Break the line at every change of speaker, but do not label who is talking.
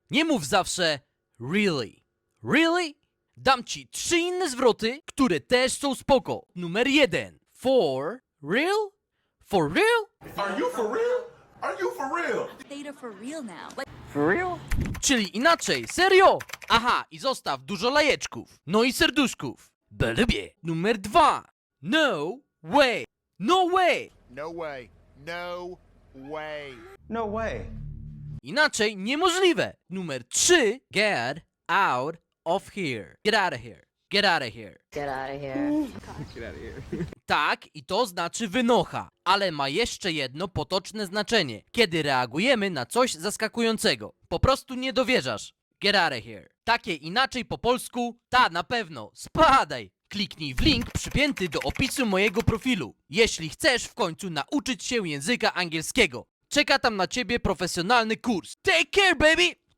Nie mów zawsze really. Really? Dam ci 3 inne zwroty, które też są spoko. Numer 1. For real? For real?
Are you for real? Are you for real?
Theta for real now. Like,
Czyli inaczej, serio? Aha, i zostaw dużo lajeczków. No i serduszków. Bo lubię. Numer 2. No way. No way.
No way. No way.
No way.
Inaczej niemożliwe. Numer 3. Get out of here. Get out of here. Get out of here.
Get out of here.
Tak, i to znaczy wynocha, ale ma jeszcze jedno potoczne znaczenie, kiedy reagujemy na coś zaskakującego. Po prostu nie dowierzasz. Get out of here. Takie inaczej po polsku, ta na pewno, spadaj. Kliknij w link przypięty do opisu mojego profilu, jeśli chcesz w końcu nauczyć się języka angielskiego. Czeka tam na ciebie profesjonalny kurs. Take care, baby!